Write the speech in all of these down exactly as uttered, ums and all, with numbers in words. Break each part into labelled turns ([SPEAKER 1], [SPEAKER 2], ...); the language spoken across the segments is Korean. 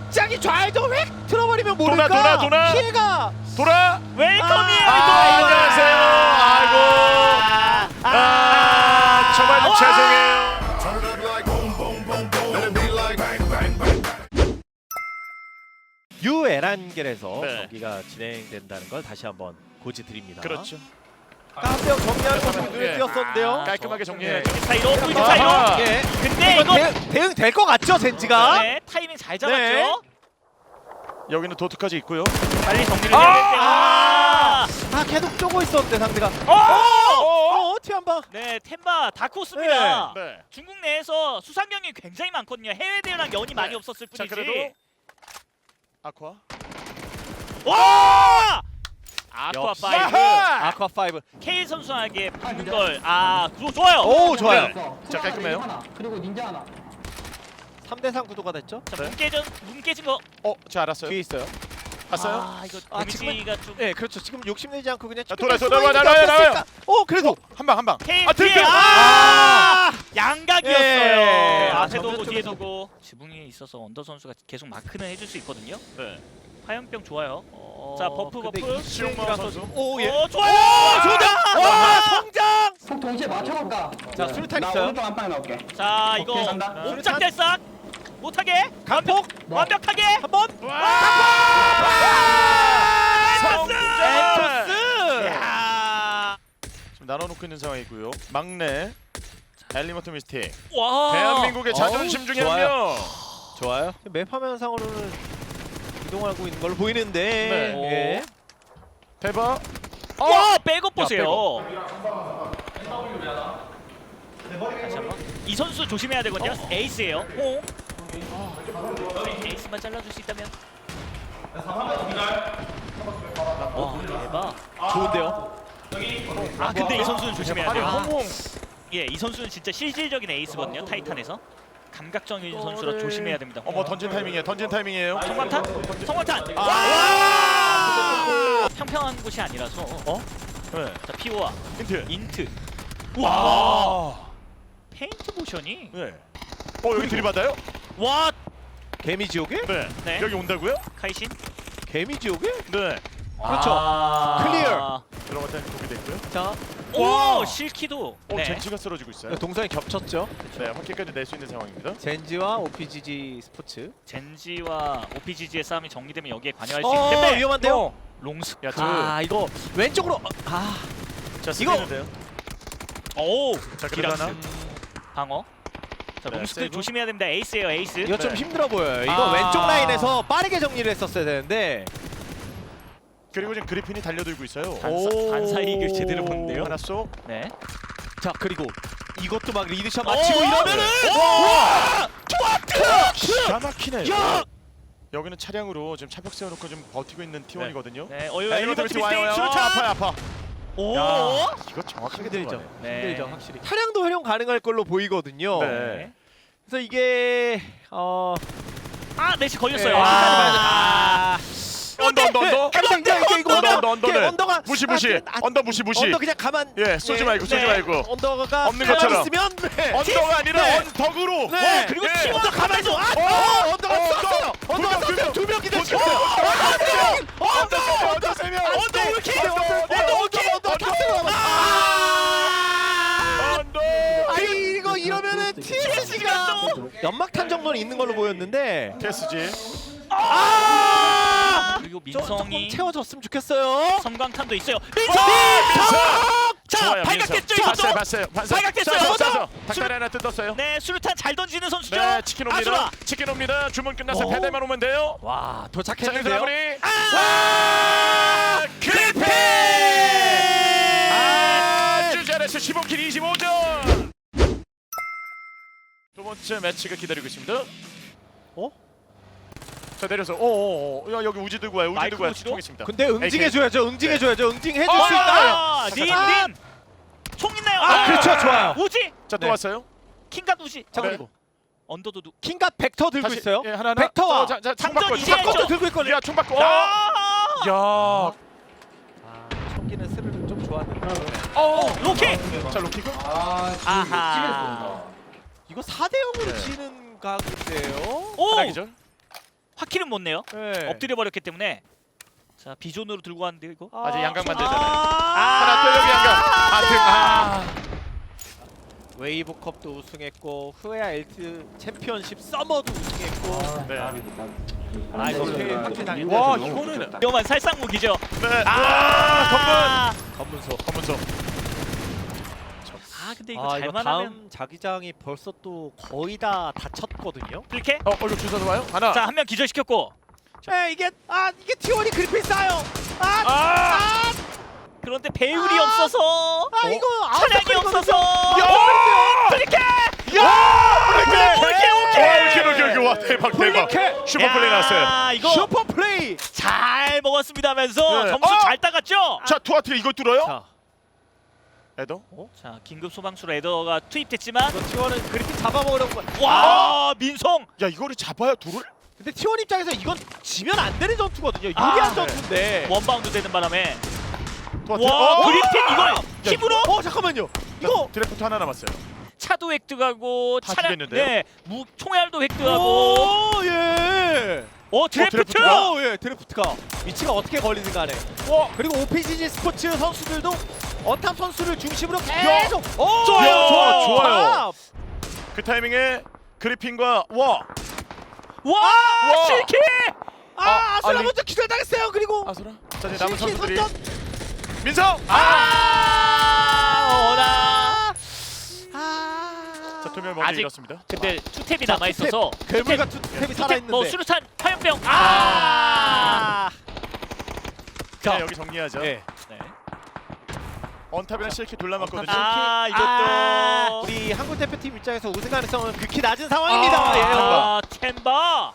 [SPEAKER 1] 갑자기 좌회전 획 틀어버리면 모를까?
[SPEAKER 2] 도나, 도나, 도나.
[SPEAKER 1] 피해가
[SPEAKER 2] 돌아.
[SPEAKER 3] 웰컴이에요.
[SPEAKER 2] 아, 안녕하세요. 아이고. 아, 아 정말 좀 죄송해요.
[SPEAKER 1] 유에란겔에서
[SPEAKER 2] 네.
[SPEAKER 1] 경기가 진행된다는 걸 다시 한번 고지드립니다.
[SPEAKER 2] 그렇죠.
[SPEAKER 1] 가스형 정리하는 모습이 눈에
[SPEAKER 2] 예.
[SPEAKER 1] 띄었었는데요.
[SPEAKER 3] 아,
[SPEAKER 2] 깔끔하게 정리해.
[SPEAKER 3] 저기 사이로 또 이쪽
[SPEAKER 2] 아하.
[SPEAKER 3] 사이로.
[SPEAKER 1] 예.
[SPEAKER 3] 근데
[SPEAKER 1] 이건
[SPEAKER 3] 이거
[SPEAKER 1] 대응, 대응 될 것 같죠, 젠지가?
[SPEAKER 3] 네, 타이밍 잘 잡았죠.
[SPEAKER 1] 네.
[SPEAKER 2] 여기는 도트까지 있고요.
[SPEAKER 3] 빨리 정리를
[SPEAKER 2] 아!
[SPEAKER 3] 해야 될 때. 아!
[SPEAKER 1] 아, 계속 쪼고 있었는데 상대가.
[SPEAKER 3] 어!
[SPEAKER 1] 어, 티 한 방.
[SPEAKER 3] 네, 템바 다크호스입니다.
[SPEAKER 2] 네.
[SPEAKER 3] 중국 내에서 수상경이 굉장히 많거든요. 해외 대회랑 연이 많이
[SPEAKER 2] 네.
[SPEAKER 3] 없었을
[SPEAKER 2] 자,
[SPEAKER 3] 뿐이지.
[SPEAKER 2] 그래도 아쿠아.
[SPEAKER 3] 와! 아쿠아
[SPEAKER 1] 역시.
[SPEAKER 3] 파이브.
[SPEAKER 2] 아하!
[SPEAKER 1] 아쿠아 파이브.
[SPEAKER 3] K 선수에게 붙는 걸. 아, 그거 좋아요.
[SPEAKER 1] 오, 좋아요.
[SPEAKER 2] 네. 자, 깔끔해요.
[SPEAKER 4] 하나, 그리고 닌자 하나.
[SPEAKER 1] 삼 대 삼 구도가 됐죠?
[SPEAKER 3] 자,
[SPEAKER 2] 네.
[SPEAKER 3] 문 깨진 문 깨진 거.
[SPEAKER 2] 어, 저 알았어요.
[SPEAKER 1] 뒤에 있어요.
[SPEAKER 2] 봤어요?
[SPEAKER 3] 아, 이거
[SPEAKER 1] 아,
[SPEAKER 3] 데미지가 좀.
[SPEAKER 1] 네, 그렇죠. 지금 욕심내지 않고 그냥
[SPEAKER 2] 자,
[SPEAKER 1] 쭉 갈
[SPEAKER 2] 돌아,
[SPEAKER 1] 수가
[SPEAKER 2] 돌아,
[SPEAKER 1] 있는 게
[SPEAKER 2] 나와요, 나와요,
[SPEAKER 1] 어땠을까? 어, 그래도
[SPEAKER 2] 한 방, 한 방.
[SPEAKER 3] K
[SPEAKER 2] 아,
[SPEAKER 3] 피해.
[SPEAKER 2] 등등.
[SPEAKER 3] 아! 양각이었어요.
[SPEAKER 1] 예.
[SPEAKER 3] 앞에
[SPEAKER 1] 아,
[SPEAKER 3] 두고
[SPEAKER 1] 정면
[SPEAKER 3] 뒤에
[SPEAKER 1] 쪽에서.
[SPEAKER 3] 두고. 지붕이 있어서 언더 선수가 계속 마크는 해줄 수 있거든요.
[SPEAKER 2] 네.
[SPEAKER 3] 화염병 좋아요.
[SPEAKER 1] 어,
[SPEAKER 3] 자, 버프,
[SPEAKER 1] 근데
[SPEAKER 3] 버프.
[SPEAKER 1] 이승이라서
[SPEAKER 2] 선수.
[SPEAKER 1] 좀- 오, 예.
[SPEAKER 3] 오, 좋아요.
[SPEAKER 1] 오, 좋다. 와, 성장.
[SPEAKER 4] 폭 동시에 맞춰볼까?
[SPEAKER 1] 자, 수류탄
[SPEAKER 4] 나
[SPEAKER 1] 있어요.
[SPEAKER 4] 오른쪽 한 방에 나올게.
[SPEAKER 3] 자, 이거
[SPEAKER 4] 오케이, 간다.
[SPEAKER 3] 옴짝달싹 못하게
[SPEAKER 1] 강폭
[SPEAKER 4] 네.
[SPEAKER 3] 완벽하게.
[SPEAKER 1] 한번. 엔토스.
[SPEAKER 3] 야.
[SPEAKER 2] 지금 나눠놓고 있는 상황이고요. 막내 엘리먼트 미스틱.
[SPEAKER 3] 와.
[SPEAKER 2] 대한민국의
[SPEAKER 1] 어우,
[SPEAKER 2] 자존심 중에 한
[SPEAKER 1] 좋아요.
[SPEAKER 2] 명.
[SPEAKER 1] 좋아요. 맵 화면상으로는 이동하고 있는 걸로 보이는데.
[SPEAKER 2] 네.
[SPEAKER 1] 예.
[SPEAKER 2] 대박.
[SPEAKER 3] 와, 백업
[SPEAKER 2] 야,
[SPEAKER 3] 보세요. 다시 한번. 이 선수 조심해야 되거든요. 에이스예요. 호. 에이스만 잘라줄 수 있다면. 와, 대박.
[SPEAKER 1] 좋은데요.
[SPEAKER 3] 아, 근데 이 선수는 조심해야
[SPEAKER 2] 아니,
[SPEAKER 3] 돼요.
[SPEAKER 2] 홍홍.
[SPEAKER 3] 예, 이 선수는 진짜 실질적인 에이스거든요. 타이탄에서. 감각적인 선수라
[SPEAKER 1] 이거를-
[SPEAKER 3] 조심해야 됩니다.
[SPEAKER 2] 어머, 던진 타이밍이에요. 던진 타이밍이에요.
[SPEAKER 3] 성광탄? 성광탄!
[SPEAKER 2] 아.
[SPEAKER 3] 와! 평평한 곳이 아니라서. 어?
[SPEAKER 2] 네.
[SPEAKER 3] 자, 피오와
[SPEAKER 2] 힌트.
[SPEAKER 3] 인트.
[SPEAKER 2] 와.
[SPEAKER 3] 와! 페인트 모션이.
[SPEAKER 2] 네. 어, 여기 들이받아요?
[SPEAKER 3] 와!
[SPEAKER 1] 개미 지옥에?
[SPEAKER 2] 네.
[SPEAKER 3] 네.
[SPEAKER 2] 여기 온다고요?
[SPEAKER 3] 카이신.
[SPEAKER 1] 개미 지옥에?
[SPEAKER 2] 네.
[SPEAKER 1] 그렇죠.
[SPEAKER 3] 아.
[SPEAKER 1] 클리어.
[SPEAKER 2] 들어갔다는 고기 됐고요.
[SPEAKER 1] 자,
[SPEAKER 3] 오,
[SPEAKER 2] 와.
[SPEAKER 3] 실키도.
[SPEAKER 2] 어,
[SPEAKER 3] 네.
[SPEAKER 2] 젠지가 쓰러지고 있어요.
[SPEAKER 1] 동선이 겹쳤죠.
[SPEAKER 2] 네, 확킬까지 낼 수 있는 상황입니다.
[SPEAKER 1] 젠지와 오피지지 스포츠.
[SPEAKER 3] 젠지와 오피지지의 싸움이 정리되면 여기에 관여할 수
[SPEAKER 1] 어,
[SPEAKER 3] 있기 때문에
[SPEAKER 1] 위험한데요.
[SPEAKER 3] 롱스.
[SPEAKER 2] 야, 저.
[SPEAKER 1] 아, 이거 왼쪽으로. 어, 아,
[SPEAKER 2] 자,
[SPEAKER 1] 이거-
[SPEAKER 2] 쓰겠는데요.
[SPEAKER 3] 오!
[SPEAKER 2] 자, 그래도
[SPEAKER 3] 디락스.
[SPEAKER 2] 하나.
[SPEAKER 3] 방어. 자,
[SPEAKER 2] 네,
[SPEAKER 3] 롱스크
[SPEAKER 2] 세이브.
[SPEAKER 3] 조심해야 됩니다. 에이스예요, 에이스.
[SPEAKER 1] 이거 좀
[SPEAKER 2] 네.
[SPEAKER 1] 힘들어 보여요. 이거
[SPEAKER 3] 아.
[SPEAKER 1] 왼쪽 라인에서 빠르게 정리를 했었어야 되는데.
[SPEAKER 2] 그리고 지금 그리핀이 달려들고 있어요.
[SPEAKER 3] 반사,
[SPEAKER 1] 오.
[SPEAKER 3] 반사이익을 제대로 본데요.
[SPEAKER 2] 하나 쏘.
[SPEAKER 3] 네.
[SPEAKER 1] 자, 그리고 이것도 막 리드샷
[SPEAKER 3] 오!
[SPEAKER 1] 맞히고 이러면은
[SPEAKER 2] 와!
[SPEAKER 1] 좋았다.
[SPEAKER 2] 기가 막히네요.
[SPEAKER 1] 야!
[SPEAKER 2] 여기는 차량으로 지금 차벽 세워놓고 좀 버티고 있는 티원이거든요.
[SPEAKER 3] 네, 어유
[SPEAKER 2] 엘리먼트
[SPEAKER 3] 엘리먼트
[SPEAKER 2] 미스틱 와요. 와요.
[SPEAKER 3] 수류탄.
[SPEAKER 2] 아파요, 아파.
[SPEAKER 3] 오!
[SPEAKER 2] 야, 이거 정확하게
[SPEAKER 1] 힘들죠.
[SPEAKER 2] 들어가네요.
[SPEAKER 3] 네.
[SPEAKER 1] 힘들죠, 확실히. 차량도 활용 가능할 걸로 보이거든요.
[SPEAKER 2] 네.
[SPEAKER 1] 그래서 이게 어
[SPEAKER 3] 아, 넷이 걸렸어요.
[SPEAKER 1] 네.
[SPEAKER 3] 아,
[SPEAKER 2] 언더, 언더, 언더.
[SPEAKER 1] 해보자. 이거 이거 이거
[SPEAKER 2] 언더, 언더, 언더는
[SPEAKER 1] 언더가
[SPEAKER 2] 무시, 무시.
[SPEAKER 1] 아, 아,
[SPEAKER 2] 언더 무시, 무시.
[SPEAKER 1] 언더 그냥 가만.
[SPEAKER 2] 예, 쏘지
[SPEAKER 1] 네.
[SPEAKER 2] 말고, 쏘지
[SPEAKER 3] 네.
[SPEAKER 2] 말고.
[SPEAKER 1] 언더가
[SPEAKER 2] 없는
[SPEAKER 1] 가만히
[SPEAKER 2] 것처럼.
[SPEAKER 1] 있으면 네.
[SPEAKER 2] 언더가 아니라
[SPEAKER 1] 네.
[SPEAKER 2] 언덕으로.
[SPEAKER 1] 네.
[SPEAKER 3] 그리고
[SPEAKER 2] 예.
[SPEAKER 3] 팀
[SPEAKER 1] 언더 가만히 있어. 아,
[SPEAKER 2] 어,
[SPEAKER 1] 어, 언더가
[SPEAKER 2] 어,
[SPEAKER 1] 쐈어요.
[SPEAKER 2] 두
[SPEAKER 1] 언더가
[SPEAKER 2] 명, 두
[SPEAKER 1] 쐈어요.
[SPEAKER 2] 명.
[SPEAKER 1] 두 명이 됐어.
[SPEAKER 2] 두 명.
[SPEAKER 1] 언더 세 명.
[SPEAKER 2] 언더 세 명, 언더 세 명.
[SPEAKER 1] 언더 올킬.
[SPEAKER 2] 언더, 언더,
[SPEAKER 1] 언더 올킬. 언더 다 세요. 아!
[SPEAKER 2] 언더.
[SPEAKER 1] 아니 이거 이러면은 티에스지가 연막탄 정도는 있는 걸로 보였는데
[SPEAKER 2] 캐스지.
[SPEAKER 1] 아!
[SPEAKER 3] 그리고
[SPEAKER 1] 좀- 조금
[SPEAKER 3] 민성이
[SPEAKER 1] 채워줬으면 좋겠어요.
[SPEAKER 3] 섬광탄도 있어요.
[SPEAKER 2] 어,
[SPEAKER 3] 민성!
[SPEAKER 2] 민성!
[SPEAKER 3] 자,
[SPEAKER 2] 좋아요,
[SPEAKER 3] 발각됐죠,
[SPEAKER 2] 민성.
[SPEAKER 3] 이것도?
[SPEAKER 2] 봤어요, 봤어요. 봤어요.
[SPEAKER 3] 발각됐어요.
[SPEAKER 2] 쏴서,
[SPEAKER 3] 쏴서.
[SPEAKER 2] 쏴서. 닭다리 하나 뜯었어요.
[SPEAKER 3] 네, 수류탄 잘 던지는 선수죠.
[SPEAKER 2] 네, 치킨 옵니다.
[SPEAKER 3] 아수라.
[SPEAKER 2] 치킨 옵니다. 주문 끝나서
[SPEAKER 1] 어?
[SPEAKER 2] 배달만 오면 돼요.
[SPEAKER 1] 와
[SPEAKER 2] 자,
[SPEAKER 1] 도착했는데요.
[SPEAKER 2] 여기서 마무리.
[SPEAKER 3] 아!
[SPEAKER 2] 크리페! 아주 잘했어. 십오 킬 이십오 점. 두 번째 매치가 기다리고 있습니다.
[SPEAKER 1] 어?
[SPEAKER 2] 자, 내려서. 오, 오, 오. 야, 여기 우지 들고 와요. 우지
[SPEAKER 3] 마이크
[SPEAKER 2] 들고 와요.
[SPEAKER 3] 우지로?
[SPEAKER 2] 통했습니다.
[SPEAKER 1] 근데 응징해줘야죠. 응징해줘야죠. 응징해줄 수
[SPEAKER 2] 어!
[SPEAKER 1] 있나요?
[SPEAKER 3] 아, 닌,
[SPEAKER 1] 아!
[SPEAKER 3] 닌. 총 있나요?
[SPEAKER 1] 아 그렇죠. 좋아요.
[SPEAKER 3] 우지.
[SPEAKER 2] 자, 또
[SPEAKER 1] 네.
[SPEAKER 2] 왔어요.
[SPEAKER 3] 킹갓 우지.
[SPEAKER 1] 자
[SPEAKER 2] 네.
[SPEAKER 1] 그리고
[SPEAKER 3] 언더도 누.
[SPEAKER 1] 킹갓 벡터 들고
[SPEAKER 2] 다시,
[SPEAKER 1] 있어요.
[SPEAKER 2] 예, 하나 하나.
[SPEAKER 1] 벡터와
[SPEAKER 2] 어, 자, 자, 총
[SPEAKER 3] 장전
[SPEAKER 2] 바꿔.
[SPEAKER 3] 이제
[SPEAKER 2] 총 바꿔.
[SPEAKER 3] 했죠.
[SPEAKER 1] 들고 있거든요.
[SPEAKER 2] 야, 총 바꿔. 어.
[SPEAKER 3] 아!
[SPEAKER 2] 야.
[SPEAKER 1] 아, 초기는 스르륵 좀 좋았는데.
[SPEAKER 2] 어.
[SPEAKER 3] 로키.
[SPEAKER 2] 자, 로키고.
[SPEAKER 4] 아,
[SPEAKER 3] 아하.
[SPEAKER 1] 이거 사 대 영으로
[SPEAKER 2] 네.
[SPEAKER 1] 지는 각인데요.
[SPEAKER 3] 오!
[SPEAKER 2] 하나 기절.
[SPEAKER 3] 화키는 못 내요.
[SPEAKER 1] 네.
[SPEAKER 3] 엎드려 버렸기 때문에. 자 비존으로 들고 왔는데 이거.
[SPEAKER 2] 아직 양각만
[SPEAKER 1] 아,
[SPEAKER 2] 되잖아요.
[SPEAKER 1] 아,
[SPEAKER 2] 하나 또 여기 양각. 아, 등. 아.
[SPEAKER 1] 웨이브컵도 우승했고 후에아 엘트 챔피언십 서머도 우승했고.
[SPEAKER 2] 네.
[SPEAKER 1] 아 이거 되게 확실당했네.
[SPEAKER 2] 와, 이거는
[SPEAKER 3] 위험한 살상무기죠.
[SPEAKER 2] 네.
[SPEAKER 3] 아,
[SPEAKER 1] 검문소.
[SPEAKER 2] 검문소.
[SPEAKER 3] 아 근데 이거
[SPEAKER 1] 아 이거
[SPEAKER 3] 잘만
[SPEAKER 1] 다음
[SPEAKER 3] 하면
[SPEAKER 1] 자기장이 벌써 또 거의 다 다쳤거든요.
[SPEAKER 3] 이렇게.
[SPEAKER 2] 어, 어, 이거 주사도 와요? 하나.
[SPEAKER 3] 자 한 명 기절시켰고.
[SPEAKER 1] 네 이게 아 이게 티원이 그리핀 쌓여. 아,
[SPEAKER 2] 아!
[SPEAKER 1] 아,
[SPEAKER 3] 그런데 배율이
[SPEAKER 1] 아!
[SPEAKER 3] 없어서.
[SPEAKER 1] 아 이거
[SPEAKER 3] 차량이 없어서.
[SPEAKER 2] 야!
[SPEAKER 3] 이렇게.
[SPEAKER 2] 야!
[SPEAKER 3] 오케이, 오케이, 오케이.
[SPEAKER 2] 와, 오케이, 오케이, 오케이. 와, 대박, 대박.
[SPEAKER 1] 블리케!
[SPEAKER 2] 슈퍼 플레이 나왔어요.
[SPEAKER 3] 야, 이거
[SPEAKER 1] 슈퍼 플레이.
[SPEAKER 3] 잘 먹었습니다면서
[SPEAKER 2] 네.
[SPEAKER 3] 점수
[SPEAKER 2] 어!
[SPEAKER 3] 잘 따갔죠?
[SPEAKER 2] 자, 투하트가 이걸 뚫어요?
[SPEAKER 1] 자,
[SPEAKER 2] 에더?
[SPEAKER 3] 자 긴급 소방수로 에더가 투입됐지만
[SPEAKER 1] 이거 티원은 그리핀 잡아먹으려고.
[SPEAKER 3] 와 민성
[SPEAKER 2] 야, 이거를 잡아요, 둘을?
[SPEAKER 1] 근데 티원 입장에서 이건 지면 안 되는 전투거든요. 유리한
[SPEAKER 3] 아,
[SPEAKER 1] 전투인데.
[SPEAKER 3] 원바운드 되는 바람에
[SPEAKER 2] 투하트.
[SPEAKER 3] 와
[SPEAKER 2] 어!
[SPEAKER 3] 그리핀 이걸 힘으로
[SPEAKER 1] 어 잠깐만요. 이거
[SPEAKER 2] 드래프트 하나 남았어요.
[SPEAKER 3] 차도 획득하고
[SPEAKER 2] 다
[SPEAKER 3] 차량
[SPEAKER 2] 죽였는데요?
[SPEAKER 3] 네 무, 총알도 획득하고
[SPEAKER 1] 오 예.
[SPEAKER 3] 어 드래프트
[SPEAKER 2] 드래프트가?
[SPEAKER 1] 오 예. 드래프트가 위치가 어떻게 걸리든 간에.
[SPEAKER 2] 와,
[SPEAKER 1] 그리고 오피지지 스포츠 선수들도 어탑 선수를 중심으로 계속. 오,
[SPEAKER 2] 좋아요,
[SPEAKER 1] 좋아요.
[SPEAKER 2] 좋아요.
[SPEAKER 1] 어탑.
[SPEAKER 2] 그 타이밍에 그리핀과 와,
[SPEAKER 3] 와
[SPEAKER 2] 와.
[SPEAKER 3] 실키
[SPEAKER 1] 아,
[SPEAKER 2] 아,
[SPEAKER 1] 아수라
[SPEAKER 2] 아니.
[SPEAKER 1] 먼저 기절당했어요. 그리고
[SPEAKER 2] 아수라. 자, 이제 남은
[SPEAKER 1] 실키
[SPEAKER 2] 선수들이
[SPEAKER 1] 선전.
[SPEAKER 2] 민성. 아!
[SPEAKER 3] 아 어나
[SPEAKER 1] 아.
[SPEAKER 2] 자, 투명 먼저
[SPEAKER 3] 아직-
[SPEAKER 2] 잃었습니다.
[SPEAKER 3] 근데 투탭이
[SPEAKER 1] 자,
[SPEAKER 3] 남아 있어서
[SPEAKER 1] 괴물 같은 탭이 살아 있는데.
[SPEAKER 3] 뭐 수류탄 화염병 아,
[SPEAKER 1] 아.
[SPEAKER 2] 자,
[SPEAKER 1] 자,
[SPEAKER 2] 여기 정리하죠.
[SPEAKER 1] 네.
[SPEAKER 3] 네.
[SPEAKER 2] 언탑이랑 실키 둘 남았거든요.
[SPEAKER 3] 아 이것도
[SPEAKER 1] 아, 우리 한국 대표팀 입장에서 우승 가능성은 극히 낮은 상황입니다.
[SPEAKER 2] 아,
[SPEAKER 1] 예.
[SPEAKER 3] 아 템바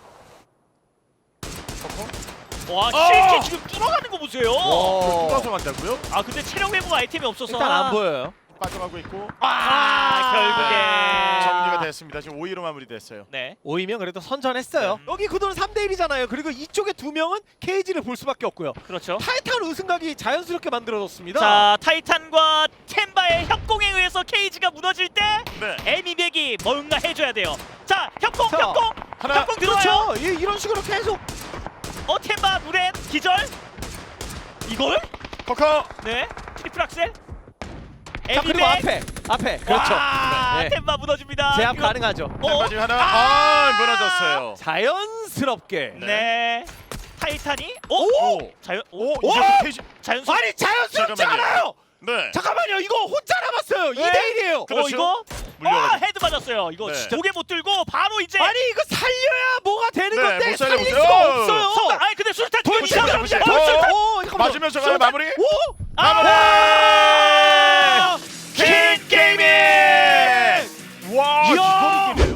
[SPEAKER 3] 와
[SPEAKER 2] 어!
[SPEAKER 3] 실키 지금 뚫어가는 거 보세요.
[SPEAKER 1] 와.
[SPEAKER 2] 뚫어서 간다고요?
[SPEAKER 3] 아 근데 체력 회복 아이템이 없어서
[SPEAKER 1] 일단 안 보여요.
[SPEAKER 2] 빠져가고 있고
[SPEAKER 3] 아, 결국에
[SPEAKER 2] 정리가 됐습니다. 지금 오 위로 마무리됐어요.
[SPEAKER 3] 네.
[SPEAKER 1] 오이면 그래도 선전했어요.
[SPEAKER 3] 음.
[SPEAKER 1] 여기 구도는 삼 대 일이잖아요. 그리고 이쪽에 두 명은 케이지를 볼 수밖에 없고요.
[SPEAKER 3] 그렇죠.
[SPEAKER 1] 타이탄 우승각이 자연스럽게 만들어졌습니다.
[SPEAKER 3] 자 타이탄과 템바의 협공에 의해서 케이지가 무너질 때
[SPEAKER 2] 네.
[SPEAKER 3] 에미백이 뭔가 해줘야 돼요. 자 협공
[SPEAKER 1] 자,
[SPEAKER 3] 협공
[SPEAKER 2] 하나.
[SPEAKER 3] 협공 들어와요.
[SPEAKER 1] 그렇죠. 이, 이런 식으로 계속.
[SPEAKER 3] 어 템바 무렌 기절. 이걸?
[SPEAKER 2] 커커.
[SPEAKER 3] 네. 트리플 악셀.
[SPEAKER 1] 자 그리고
[SPEAKER 3] 에미백.
[SPEAKER 1] 앞에 앞에 그렇죠.
[SPEAKER 3] 와,
[SPEAKER 1] 네.
[SPEAKER 3] 템바 무너집니다.
[SPEAKER 1] 제압
[SPEAKER 3] 그리고-
[SPEAKER 1] 가능하죠.
[SPEAKER 3] 어?
[SPEAKER 2] 템바지 하나. 아, 무너졌어요.
[SPEAKER 1] 자연스럽게.
[SPEAKER 3] 네. 타이탄이 오,
[SPEAKER 1] 오!
[SPEAKER 3] 자연
[SPEAKER 2] 오,
[SPEAKER 3] 오,
[SPEAKER 2] 이제
[SPEAKER 1] 오!
[SPEAKER 2] 페이지.
[SPEAKER 3] 자연스
[SPEAKER 1] 아니 자연스럽지
[SPEAKER 2] 잠깐만요.
[SPEAKER 1] 않아요.
[SPEAKER 2] 네.
[SPEAKER 1] 잠깐만요. 이거 혼자 남았어요. 이 대 일이에요.
[SPEAKER 2] 그렇죠.
[SPEAKER 3] 어 이거
[SPEAKER 2] 물려가지고.
[SPEAKER 3] 아 헤드 맞았어요. 이거
[SPEAKER 2] 네.
[SPEAKER 3] 진짜 고개 못 들고 바로 이제
[SPEAKER 1] 아니 이거 살려야 뭐가 되는
[SPEAKER 2] 네,
[SPEAKER 1] 건데
[SPEAKER 2] 못
[SPEAKER 1] 살릴
[SPEAKER 2] 살려보세요.
[SPEAKER 1] 수가
[SPEAKER 2] 어.
[SPEAKER 1] 없어요.
[SPEAKER 3] 성공. 아니 근데 술탄 뒤에
[SPEAKER 2] 보시죠,
[SPEAKER 3] 있어요.
[SPEAKER 2] 보시죠.
[SPEAKER 3] 어, 술탄.
[SPEAKER 1] 오, 잠깐만요.
[SPEAKER 2] 맞으면서 가요 마무리.
[SPEAKER 1] 오!
[SPEAKER 2] 마무리.
[SPEAKER 1] 아!
[SPEAKER 2] 킹 게이밍. 와,
[SPEAKER 1] 이야!
[SPEAKER 2] 이걸 이기네요.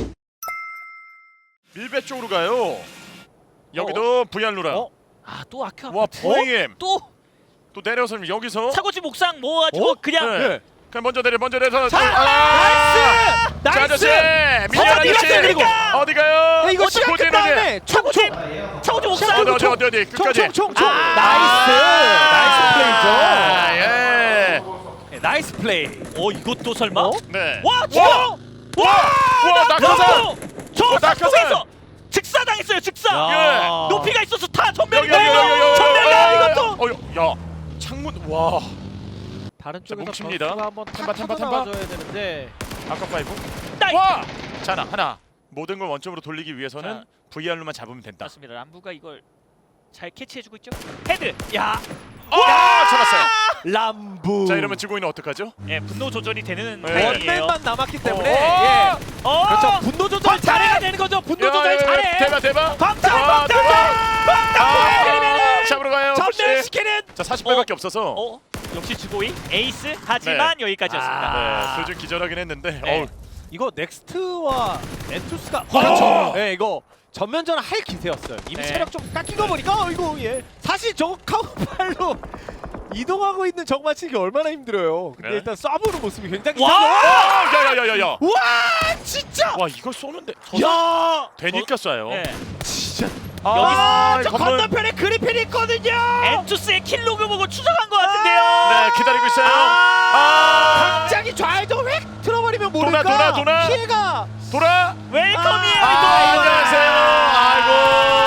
[SPEAKER 2] 밀배 쪽으로 가요. 여기도 브이알루라.
[SPEAKER 1] 어?
[SPEAKER 3] 아또 아큐
[SPEAKER 2] 와, 브이엠.
[SPEAKER 3] 또
[SPEAKER 2] 또 내려서 여기서.
[SPEAKER 3] 사고지 목상 모아가지고
[SPEAKER 1] 어?
[SPEAKER 3] 그냥
[SPEAKER 2] 네. 그냥 먼저 내려, 먼저 내려.
[SPEAKER 1] 자,
[SPEAKER 2] 아!
[SPEAKER 1] 나이스!
[SPEAKER 2] 자, 아저씨,
[SPEAKER 1] 나이스!
[SPEAKER 2] 미녀
[SPEAKER 1] 어디
[SPEAKER 2] 아저씨,
[SPEAKER 1] 갔어요, 그리고?
[SPEAKER 2] 어디 가요?
[SPEAKER 1] 이거 시간
[SPEAKER 2] 고지는
[SPEAKER 1] 끝다음에
[SPEAKER 3] 차고지
[SPEAKER 1] 총총
[SPEAKER 3] 차고지 목상
[SPEAKER 2] 어디 어디 어디 어디 끝까지.
[SPEAKER 1] 총총총총
[SPEAKER 3] 아!
[SPEAKER 1] 나이스
[SPEAKER 2] 아,
[SPEAKER 1] 나이스
[SPEAKER 2] 예.
[SPEAKER 1] 플레이죠. 네, 나이스 플레이.
[SPEAKER 3] 어 이것도 설마
[SPEAKER 1] 어?
[SPEAKER 2] 네.
[SPEAKER 3] 와 진짜
[SPEAKER 2] 와, 와, 낙하산.
[SPEAKER 3] 저
[SPEAKER 2] 어, 낙하산.
[SPEAKER 3] 낙하산에서 즉사당했어요 즉사
[SPEAKER 2] 예.
[SPEAKER 3] 높이가 있어서 다
[SPEAKER 2] 여기
[SPEAKER 3] 전멸이다
[SPEAKER 2] 여기 여기 여기.
[SPEAKER 3] 이거 전멸이야
[SPEAKER 2] 어,
[SPEAKER 3] 이것도
[SPEAKER 2] 어, 야. 창문 와.
[SPEAKER 1] 다른
[SPEAKER 2] 자,
[SPEAKER 1] 쪽에서
[SPEAKER 2] 뭉칩니다.
[SPEAKER 1] 변수가 한번
[SPEAKER 2] 템바,
[SPEAKER 1] 탁
[SPEAKER 2] 템바,
[SPEAKER 1] 터져
[SPEAKER 2] 템바.
[SPEAKER 1] 나가줘야 되는데
[SPEAKER 2] 아까 파이브.
[SPEAKER 3] 나이
[SPEAKER 2] 와. 자, 하나, 하나. 모든 걸 원점으로 돌리기 위해서는
[SPEAKER 3] 자.
[SPEAKER 2] 브이알로만 잡으면 된다.
[SPEAKER 3] 맞습니다 람부가 이걸 잘 캐치해주고 있죠 헤드 야
[SPEAKER 2] 아, 잡았어요.
[SPEAKER 1] 람부.
[SPEAKER 2] 자, 이러면 지고인은 어떡하죠?
[SPEAKER 3] 예, 분노 조절이 되는
[SPEAKER 2] 네.
[SPEAKER 3] 타이밍이에요
[SPEAKER 1] 원맨만 남았기 때문에
[SPEAKER 2] 어.
[SPEAKER 1] 예.
[SPEAKER 3] 어
[SPEAKER 1] 그렇죠. 분노 조절
[SPEAKER 3] 광탈!
[SPEAKER 1] 잘해야 되는 거죠. 분노 조절 잘해.
[SPEAKER 2] 대박, 대박.
[SPEAKER 3] 광탈
[SPEAKER 2] 아,
[SPEAKER 3] 광탈
[SPEAKER 2] 대박. 아, 잡으러 가요.
[SPEAKER 1] 전멸시키는.
[SPEAKER 2] 자, 사십 발밖에 없어서.
[SPEAKER 3] 어 역시 주고이 에이스 하지만 여기까지였습니다
[SPEAKER 1] 아.
[SPEAKER 2] 네, 둘중 기절하긴 했는데.
[SPEAKER 3] 네.
[SPEAKER 2] 어우,
[SPEAKER 1] 이거 넥스트와 엔투스가
[SPEAKER 2] 그렇죠.
[SPEAKER 1] 네, 이거 전면전을 할 기세였어요. 이미
[SPEAKER 3] 네.
[SPEAKER 1] 체력 좀 깎인 거 보니까 어, 이거 예. 사실 저거 카우팔로 이동하고 있는 적 맞히기 얼마나 힘들어요. 근데
[SPEAKER 2] 네.
[SPEAKER 1] 일단 쏴보는 모습이 굉장히
[SPEAKER 3] 와!
[SPEAKER 2] 아, 야, 야, 야, 야, 야.
[SPEAKER 1] 와 진짜.
[SPEAKER 2] 와, 이걸 쏘는데
[SPEAKER 1] 야
[SPEAKER 2] 되니까 쏴요.
[SPEAKER 3] 네.
[SPEAKER 1] 진짜.
[SPEAKER 2] 아,
[SPEAKER 1] 저
[SPEAKER 2] 건물.
[SPEAKER 1] 건너편에 그리핀이 있거든요.
[SPEAKER 3] 엔투스의 킬로그 보고 추적한 것 같은데요
[SPEAKER 2] 네, 기다리고 있어요.
[SPEAKER 1] 아,
[SPEAKER 2] 아,
[SPEAKER 1] 갑자기 좌회전 획 틀어버리면
[SPEAKER 2] 돌아,
[SPEAKER 1] 모를까
[SPEAKER 2] 돌아, 돌아.
[SPEAKER 1] 피해가.
[SPEAKER 2] 돌아.
[SPEAKER 3] 웰컴이에요
[SPEAKER 2] 아,
[SPEAKER 3] 이거
[SPEAKER 2] 안녕하세요. 아이고.